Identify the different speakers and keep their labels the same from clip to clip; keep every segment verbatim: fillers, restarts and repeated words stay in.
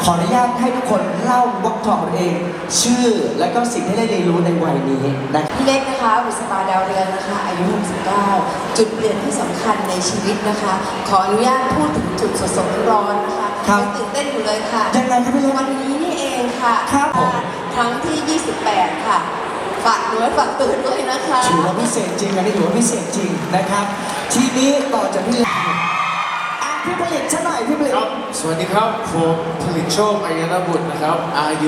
Speaker 1: ขออนุญาตให้ทุกคนเล่าบล็อกทองตัวเอง ชื่อและก็สิ่งที่ได้เรียนรู้ในวัยนี้นะ
Speaker 2: พี่เล็กนะคะบุษบาดาวเรืองนะคะอายุหกสิบเก้าจุดเปลี่ยนที่สำคัญในชีวิตนะคะ ขออนุญาตพูดถึงจุดสดๆร้อนๆนะคะ
Speaker 1: ครับ
Speaker 2: ยังตื่นเต้นอยู่เลยค่ะ
Speaker 1: ยังไงครับพี่เล็ก
Speaker 2: วันนี้นี่เองค่ะ
Speaker 1: ครับผม
Speaker 2: ครั้งที่ยี่สิบแปดค่ะฝากด้วยฝากตื่นด้วยนะคะ
Speaker 1: ถือว่าพิเศษจริงอันนี้ถือว่าพิเศษจริงนะครับ ทีนี้ต่อจากพี่เล็กอ่ะพี่ผลิตซะหน่อยพี่ผลิต
Speaker 3: ครับสวัสดีครับผมผลิตโชคอายนบุตรนะครับอายุ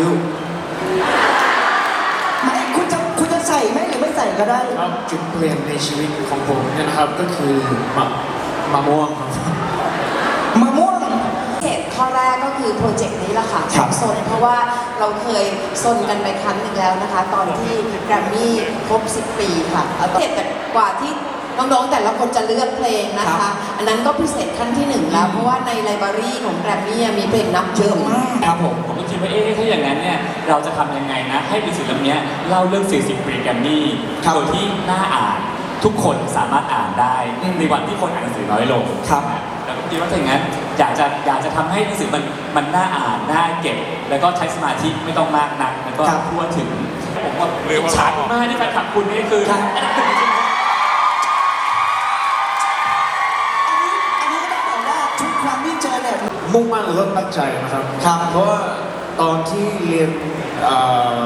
Speaker 1: ไม่คุณจะคุณจะใส่ไหมหรือไม่ใส่ก็ได้
Speaker 3: ครับจุดเปลี่ยนในชีวิตของผมเนี่ยนะครับก็คือมะมะม่วงครับ
Speaker 1: มะม่วง
Speaker 2: เหตุข้อแรกก็คือโปรเจกต์นี้แหละค่ะ
Speaker 1: ครับ
Speaker 2: ซนเพราะว่าเราเคยซนกันไปครั้งหนึ่งแล้วนะคะ ตอนที่แกรมมี่ครบสิบปีค่ะเอาเจ็ดแต่กว่าที่น้องๆแต่ละคนจะเลือกเพลงนะคะ อันนั้นก็พิเศษขั้นที่หนึ่งแล้ว เพราะว่าในไลบรารีของแกรมมี่มีเพลงนับ
Speaker 1: เยอะมากครับผม
Speaker 4: ผมก็คิดว่าเอ๊ะถ้าอย่างนั้นเนี่ยเราจะทำยังไงนะให้หนังสือเล่มนี้เล่าเรื่อง สี่สิบ ปีแกรมมี่
Speaker 1: ครับ
Speaker 4: โดยที่น่าอ่านทุกคนสามารถอ่านได้
Speaker 1: อืม
Speaker 4: ในวันที่คนอ่านหนังสือน้อยลง
Speaker 1: ครับ
Speaker 4: แล้วก็คิดว่าถ้าอย่างนั้นอยากจะอยากจะทำให้หนังสือมันมันน่าอ่านน่าเก็บ แล้วก็ใช้สมาธิไม่ต้องมากนักแล้วก็
Speaker 1: ครับ
Speaker 4: ทั่วถึงผมว่าอิจฉามากที่แฟนคลับคุณนี่คือ
Speaker 1: ครับ
Speaker 4: อันดับหนึ่งจริงๆ
Speaker 1: อันนี้อันนี้ก็ต้องบอกว่าทุกครั้งที่เจอเนี่ย
Speaker 3: มุ่งมั่นแล้วก็ตั้งใจนะครับ
Speaker 1: ครับ
Speaker 3: เพราะว่าตอนที่เรียนเอ่อ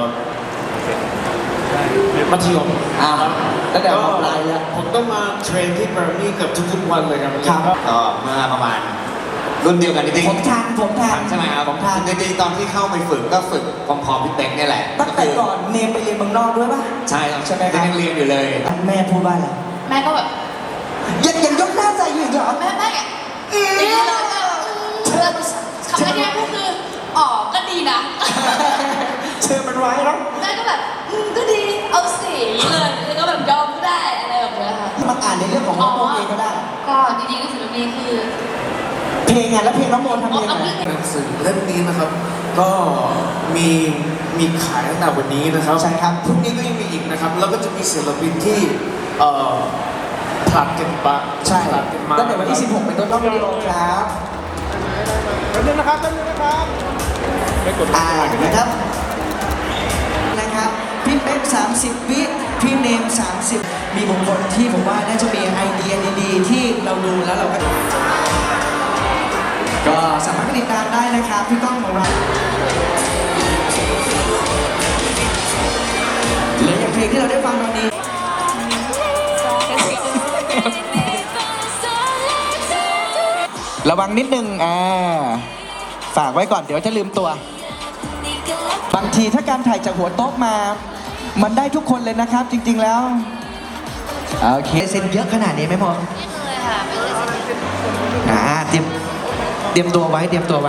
Speaker 3: มัธยม
Speaker 1: อ่า
Speaker 3: ครับ
Speaker 1: ตั้งแต่มปลายแล้ว
Speaker 3: ผมต้องมาเทรนที่แกรมมี่เกับทุกๆวันเลยครับ
Speaker 1: ครับ
Speaker 5: ก็เมื่อประมาณรุ่นเดียวกันจริง
Speaker 1: ผมทันผมทัน
Speaker 5: ใช่ไหมครับ
Speaker 1: ผมทัน
Speaker 5: จริงๆตอนที่เข้าไปฝึกก็ฝึกพร้อมๆพี่เป๊กเนี่ยแหละ
Speaker 1: ตั้งแต่ก่อนเนมไปเรียนเมืองนอกด้วยป่ะ
Speaker 5: ใช่ครับ
Speaker 1: ใช่ไหมครับ
Speaker 5: ยังเรียนอยู่เลย
Speaker 1: แม่พูดว่าอะไร
Speaker 2: แม่ก็แบบ
Speaker 1: ยังยังยกหน้าใส่อยู่อีกเหรอ
Speaker 2: แม่แม่อย่างนี้เลยแม่เชื่อคำแรกก็คืออ๋อก็ดีนะ
Speaker 1: เชิญมันไว้แล้ว
Speaker 2: แม่ก็แบบอืมก็ดีเอาสีเลยแล้วก็แบบยอมก็ได้อะไรแบบเนี้ยค่ะ
Speaker 1: มาอ่านในเรื่องของน้องโมเองก็ได้
Speaker 2: ก็จริงๆก็คือนี้คือ
Speaker 1: เพลงไงแล้วเพลงน้องโมทำเองไง
Speaker 3: หนังสือเล่มนี้นะครับ ก็มีมีขายตั้งแต่วันนี้นะครับ
Speaker 1: ใช่ครับ
Speaker 3: พรุ่งนี้ก็ยังมีอีกนะครับ แล้วก็จะมีศิลปินที่เอ่อผลัดกันปะ
Speaker 1: ใช่
Speaker 3: ผลัดกันมา
Speaker 1: ตั้งแต่วันที่สิบหกเป็นต้นไปครับ
Speaker 3: แป๊บนึงนะครับแป๊บนึงนะครับไม่กด
Speaker 1: อ่านะครับนะครับพี่เป๊กสามสิบวิพี่เนมสามสิบมีบุคคลที่ผมว่าน่าจะมีไอเดียดีๆที่เราดูแล้วเราก็ก็สามารถติดตามได้นะครับพี่ก้องของเราและอย่างเพลงที่เราได้ฟังตอนนี้ ระวังนิดนึงอ่าฝากไว้ก่อนเดี๋ยวจะลืมตัว บางทีถ้าการถ่ายจากหัวโต๊ะมา มันได้ทุกคนเลยนะครับ จริงๆแล้ว โอเคเซ็นเยอะขนาดนี้ไหมพอ
Speaker 2: ไม่เคยค่ะไม่เคย
Speaker 1: อ่าเตรียมเตรียมตัวไว้เตรียมตัวไว้